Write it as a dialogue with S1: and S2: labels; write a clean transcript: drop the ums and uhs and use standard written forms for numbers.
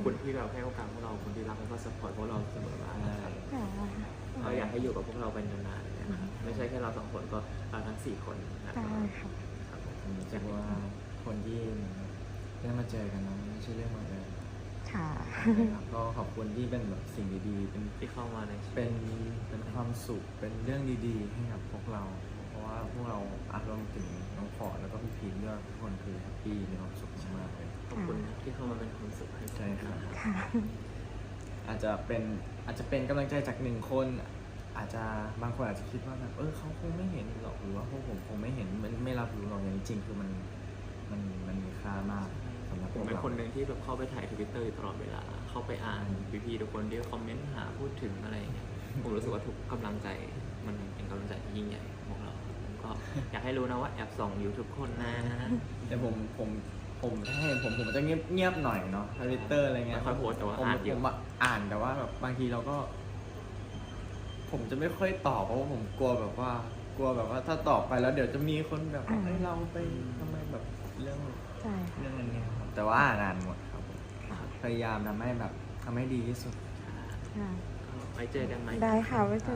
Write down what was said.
S1: คุณที่แบบให้โอกาสพวกเราคนที่รักแล้วก็สปอร์ตพวกเราเสมอมานะครับ
S2: ค่ะ
S1: ก็อยากให้อยู่กับพวกเราไปนานๆนะครับไม่ใช่แค่เรา2 คนก็เราทั้ง4 คนนะค
S2: ได้
S1: รับ
S2: ค่ะ
S1: ครับผม
S3: ผมรู้สึกว่าคนที่ได้มาเจอกันนะไม่ใช่เรื่องบังเอิญ
S2: ค่ะ
S3: นะครับก็ขอบคุณที่เป็นแบบสิ่งดีๆ
S1: ที่เข้ามาในชีวิต
S3: เป็นความสุขเป็นเรื่องดีๆให้กับพวกเรา เพราะว่าพวกเรารวมถึงน้องฟอร์ดแล้วก็พี่พีทด้วยทุกคนคือแฮปปี้มีความสุขมากๆเลย
S1: ขอบคุณที่เข้ามาเป็นความสุขให้
S3: ใช่ครับ
S2: ค่ะ
S3: อาจจะเป็นกำลังใจจาก1 คน อาจจะบางคนอาจจะคิดว่าแบบเขาคงไม่เห็นหรอกหรือว่าพวกผมคงไม่เห็นไม่รับรู้หรอกอย่างจริงๆคือมันมีค่ามากสำหรับ
S1: ผ
S3: พ
S1: ม
S3: วก
S1: เป็น
S3: เรา
S1: คนหนึ่งที่แบบเข้าไปถ่าย Twitter อยู่ตลอดเวลา เข้าไปอ่านพี่ๆทุกคนที่คอมเมนต์หาพูดถึงอะไรอย่างเงี้ย ผมรู้สึกว่าทุกกำลังใจมันเป็นกำลังใจที่ยิ่งใหญ่ของพวกเราผมก็อยากให้รู้นะว่าแอบส่องอยู่ทุกคนนะ
S3: แต่ผมถ้าเห็นผมจะเงียบหน่อยเนาะทวิตเตอร์อะไรเงี้ย
S1: ไม่ค่อยโพสต์แต่ว่า
S3: ผม
S1: อ่านเยอะ
S3: ผมอ่านแต่ว่าแบบบางทีเราก็ ผมจะไม่ค่อยตอบเพราะว่าผมกลัวแบบว่าถ้าตอบไปแล้วเดี๋ยวจะมีคนแบบว่า
S2: อืม
S3: เฮ้ยเราไปทำไมแบบเรื่อง
S2: ใช่ค่ะ
S3: เรื่องนั้นเนี่ยครับแต่ว่าอ่านหมดครับผมพยายามทำให้ดีที่สุด
S2: ค่ะ
S1: ไว้เจอกันใหม่
S2: ได้ค่ะไว้เจอ